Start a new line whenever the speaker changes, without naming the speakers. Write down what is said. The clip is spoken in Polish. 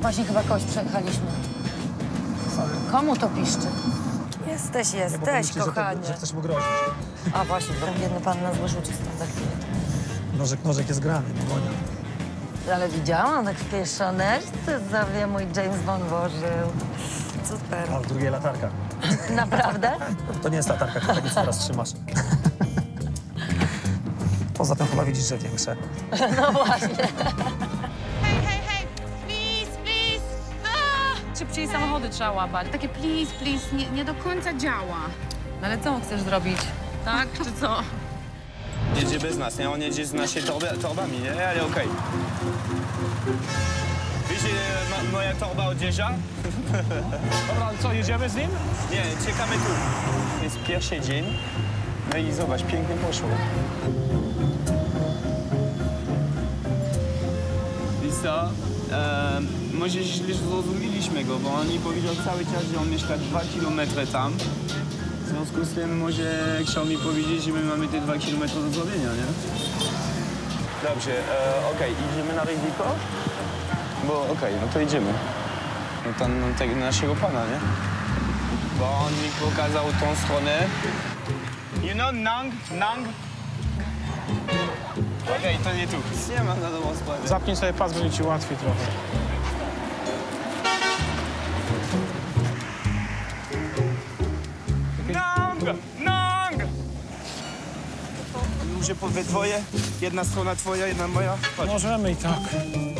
Właśnie chyba kogoś przejechaliśmy. Komu to piszczy? Jesteś, kochanie.
Że chcesz mu grozić.
A właśnie, bo biedny pan nas wyrzuci stąd za chwilę.
Nożek jest grany, nie Monia.
Ale widziałam, tak w tej szoneczce sobie mój James Bond włożył. Super.
A w drugiej latarka.
Naprawdę?
To nie jest latarka, która nic teraz trzymasz. Poza tym chyba widzisz, że większe.
No właśnie.
Hej, please!
Szybciej samochody trzeba łapać.
Takie please, nie do końca działa.
No ale co chcesz zrobić? Tak, czy co?
Jedzie bez nas, nie? On jedzie z naszymi torbami, nie? Ale okej. Wiecie, moja torba odjeżdża?
Dobra, ale co, jedziemy z nim?
Nie, czekamy tu. Jest pierwszy dzień. No i zobacz, pięknie poszło. Wiesz co? Może źle zrozumieliśmy go, bo on mi powiedział cały czas, że on mieszka 2 kilometry tam. W związku z tym może chciał mi powiedzieć, że my mamy te 2 kilometry do zrobienia, nie? Dobrze, okej, idziemy na ryzyko? Bo okej, no to idziemy. No to tego naszego pana, nie? Bo on mi pokazał tą stronę. You know, Nang? Okej, to nie tu. Nie mam na dobrą sprawę.
Zapnij sobie pas, będzie ci łatwiej trochę.
Nang! Może we dwoje? Jedna strona twoja, jedna moja? Chodź.
Możemy i tak.